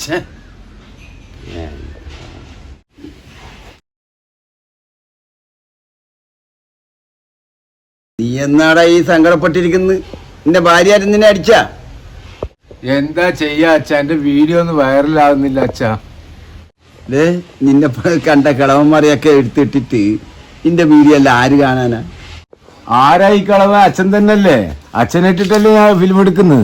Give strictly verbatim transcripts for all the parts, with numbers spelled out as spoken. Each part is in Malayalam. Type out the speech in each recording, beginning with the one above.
നീ എന്നാടാ ഈ സങ്കടപ്പെട്ടിരിക്കുന്നത്? നിന്റെ ഭാര്യ ആരും നിന്നെ അടിച്ചാ? എന്താ ചെയ്യാ അച്ഛാ, എന്റെ വീഡിയോ ഒന്നും വൈറലാകുന്നില്ല അച്ഛാ. ദേ നിന്നെ കണ്ട കളവന്മാരെയൊക്കെ എടുത്തിട്ടിട്ട് നിന്റെ വീഡിയോ അല്ല ആര് കാണാനാ? ആരായി കളവ? അച്ഛൻ തന്നെയല്ലേ. അച്ഛനിട്ടിട്ടല്ലേ ഞാൻ ഫിലിം എടുക്കുന്നത്.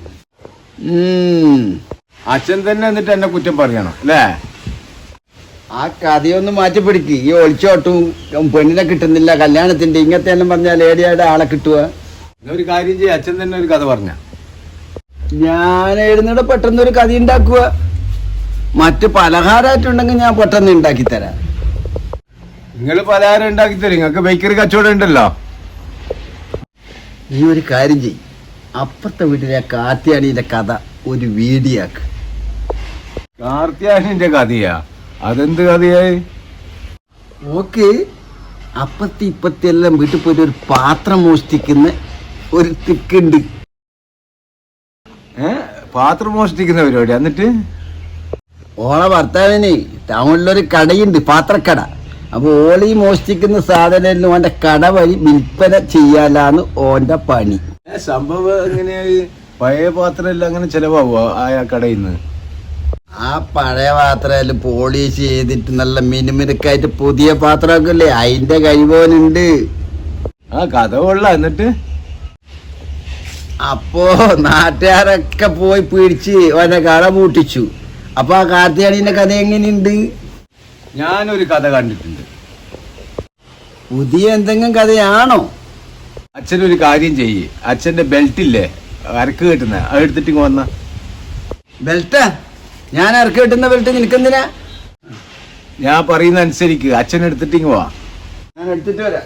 അച്ഛൻ തന്നെ എന്നിട്ട് എന്നെ കുറ്റം പറയണം അല്ലേ? ആ കഥയൊന്ന് മാറ്റിപ്പിടിക്ക്. ഈ ഒളിച്ചോട്ടും പെണ്ണിനെ കിട്ടുന്നില്ല കല്യാണത്തിന്റെ ഇങ്ങനത്തെ എല്ലാം പറഞ്ഞാൽ ലേഡിയായിട്ട് ആളെ കിട്ടുക. ഒരു കാര്യം ചെയ്യ, അച്ഛൻ തന്നെ ഒരു കഥ പറഞ്ഞ. ഞാൻ എഴുന്നൂടെ പെട്ടെന്നൊരു കഥ ഉണ്ടാക്കുക. മറ്റ് പലഹാരമായിട്ടുണ്ടെങ്കിൽ ഞാൻ പെട്ടെന്ന് ഉണ്ടാക്കി തരാം. നിങ്ങൾ പലഹാരം ഉണ്ടാക്കി തരും, നിങ്ങൾക്ക് ബേക്കറി കച്ചവടം ഉണ്ടല്ലോ. ഈ ഒരു കാര്യം ചെയ്യും, അപ്പുറത്തെ വീട്ടിലെ കാർത്തിയാനിന്റെ കഥ ഒരു വീഡിയോ ആക്ക്. കാർത്തിയാനിന്റെ കഥയാ? അതെന്ത് കഥയായി? ഓക്കെ, അപ്പത്തി ഇപ്പത്തി എല്ലാം വീട്ടിൽ പോയിട്ട് ഒരു പാത്രം മോഷ്ടിക്കുന്ന ഒരു തിക്കുണ്ട്. ഏ പാത്രം മോഷ്ടിക്കുന്ന പരിപാടി? എന്നിട്ട് ഓളെ ഭർത്താവിന് ടൗണിലൊരു കടയുണ്ട്, പാത്രക്കട. അപ്പൊ ഓളി മോഷ്ടിക്കുന്ന സാധനം ഓന്റെ കട വഴി വിൽപ്പന ചെയ്യാലാന്ന് ഓന്റെ പണി. സംഭവം എങ്ങനെയായി? പഴയ പാത്രം എല്ലാം അങ്ങനെ ചെലവാകുവോ ആ കടയിൽ നിന്ന്? ആ പഴയ പാത്രം പോളിഷ് ചെയ്തിട്ട് നല്ല മിനുമിനുക്കായിട്ട് പുതിയ പാത്രമൊക്കെ ഇല്ലേ, അതിന്റെ കഴിവോനുണ്ട്. ആ കഥ കൊള്ള. എന്നിട്ട് അപ്പോ നാട്ടുകാരൊക്കെ പോയി പിടിച്ച് ഓന്റെ കട പൂട്ടിച്ചു. അപ്പൊ ആ കാർത്തിയാനിന്റെ കഥ എങ്ങനെയുണ്ട്? ഞാനൊരു കഥ കണ്ടിട്ടുണ്ട്. പുതിയ എന്തെങ്കിലും കഥയാണോ? അച്ഛനൊരു കാര്യം ചെയ്യ്, അച്ഛന്റെ ബെൽറ്റ് ഇല്ലേ അരക്ക് കെട്ടുന്ന, അത് എടുത്തിട്ട് ഇങ്ങ് വന്ന. ബെൽറ്റാ? ഞാൻ ഇറക്കി കിട്ടുന്ന ബെൽറ്റ് നിനക്കെന്തിനാ? ഞാൻ പറയുന്ന അനുസരിക്ക്, അച്ഛൻ എടുത്തിട്ട് ഇങ്ങ് പോവാ. ഞാൻ എടുത്തിട്ട് വരാം.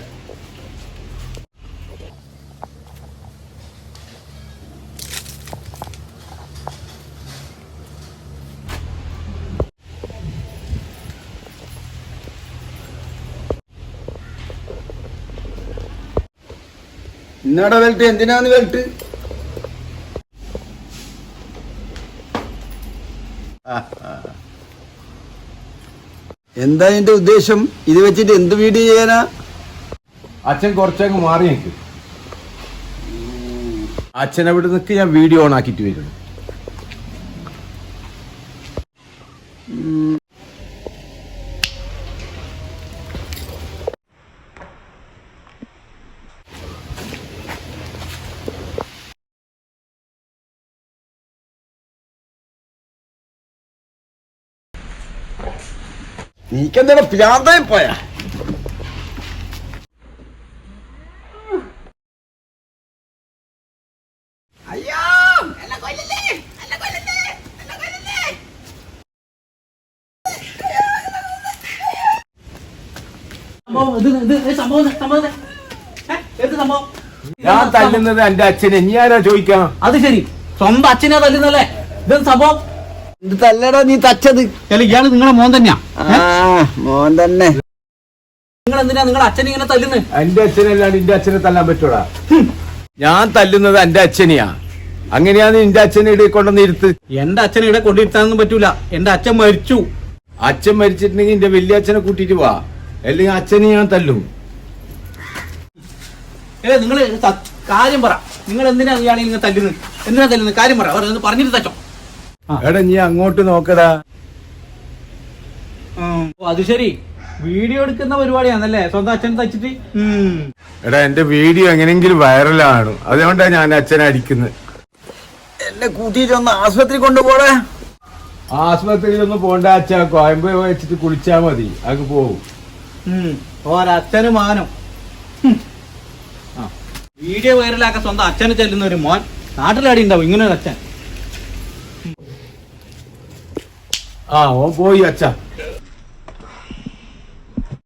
ഇന്നാടെ ബെൽറ്റ്? എന്തിനാന്ന് ബെൽറ്റ്? എന്താ നിന്റെ ഉദ്ദേശം? ഇത് വെച്ചിട്ട് എന്ത് വീഡിയോ ചെയ്യാനാ? അച്ഛൻ കുറച്ചങ്ങ് മാറി നിൽക്ക്. അച്ഛൻ അവിടെ നിൽക്ക്, ഞാൻ വീഡിയോ ഓൺ ആക്കിയിട്ട് വരുന്നു. നീക്കെന്താ പ്രാന്തായി പോയാ? അയ്യോ എന്നെ കൊല്ലല്ലേ, എന്നെ കൊല്ലല്ലേ, എന്നെ കൊല്ലല്ലേ. ഞാൻ തല്ലുന്നത് എന്റെ അച്ഛനെ, ഇനി ആരാ ചോദിക്കാം? അത് ശരി, സ്വന്തം അച്ഛനെ തല്ലുന്നല്ലേ? ഇതെന്ത് സംഭവം? ഇത് തല്ലടാ നീ തച്ചത്. ഇയാള് നിങ്ങളെ മോൻ തന്നെയാ? മോൻ തന്നെ. നിങ്ങൾ എന്തിനാ നിങ്ങളെ അച്ഛനെ ഇങ്ങനെ തല്ലുന്നത്? എന്റെ അച്ഛനല്ലാണ്ട് എന്റെ അച്ഛനെ തല്ലാൻ പറ്റൂടാ? ഞാൻ തല്ലുന്നത് എന്റെ അച്ഛനെയാ. അങ്ങനെയാന്ന് എന്റെ അച്ഛനെ ഇവിടെ കൊണ്ടുവന്ന് ഇരുത്ത്. എന്റെ അച്ഛനെ ഇവിടെ കൊണ്ടിരുത്താനൊന്നും പറ്റൂല. എന്റെ അച്ഛൻ മരിച്ചു. അച്ഛൻ മരിച്ചിട്ടുണ്ടെങ്കിൽ എന്റെ വലിയ അച്ഛനെ കൂട്ടിട്ട് വാ, അല്ലെങ്കിൽ അച്ഛനെ ഞാൻ തല്ലും. ഏ നിങ്ങള് കാര്യം പറ. നിങ്ങൾ എന്തിനാ ഇയാളെ ഇങ്ങനെ തല്ലുന്നത്? എന്തിനാ തല്ലുന്നത്? കാര്യം പറ, പറഞ്ഞിട്ട് തച്ചോ. എടാ നീ അങ്ങോട്ട് നോക്കടാ. അത് ശരി, വീഡിയോ എടുക്കുന്ന പരിപാടിയാണല്ലേ സ്വന്തം അച്ഛൻ തച്ചിട്ട്? എടാ എന്റെ വീഡിയോ എങ്ങനെയെങ്കിലും വൈറലാണ്, അതുകൊണ്ടാണ് ഞാൻ അച്ഛനെ അടിക്കുന്നത്. എന്നെ കൂട്ടിയിട്ട് ഒന്ന് ആശുപത്രി കൊണ്ടുപോടേ. ആശുപത്രിയിലൊന്നും പോണ്ട അച്ഛാ, കോയമ്പ് വെച്ചിട്ട് കുളിച്ചാ മതി, അത് പോവും. ഒരച്ഛന് മാനം. വീഡിയോ വൈറലാക്കാൻ സ്വന്തം അച്ഛനെ ചെല്ലുന്ന ഒരു മോൻ നാട്ടിലാടി ഉണ്ടാവും ഇങ്ങനെ ഒരു അച്ഛൻ. ആ ഓ പോയി അച്ഛാ.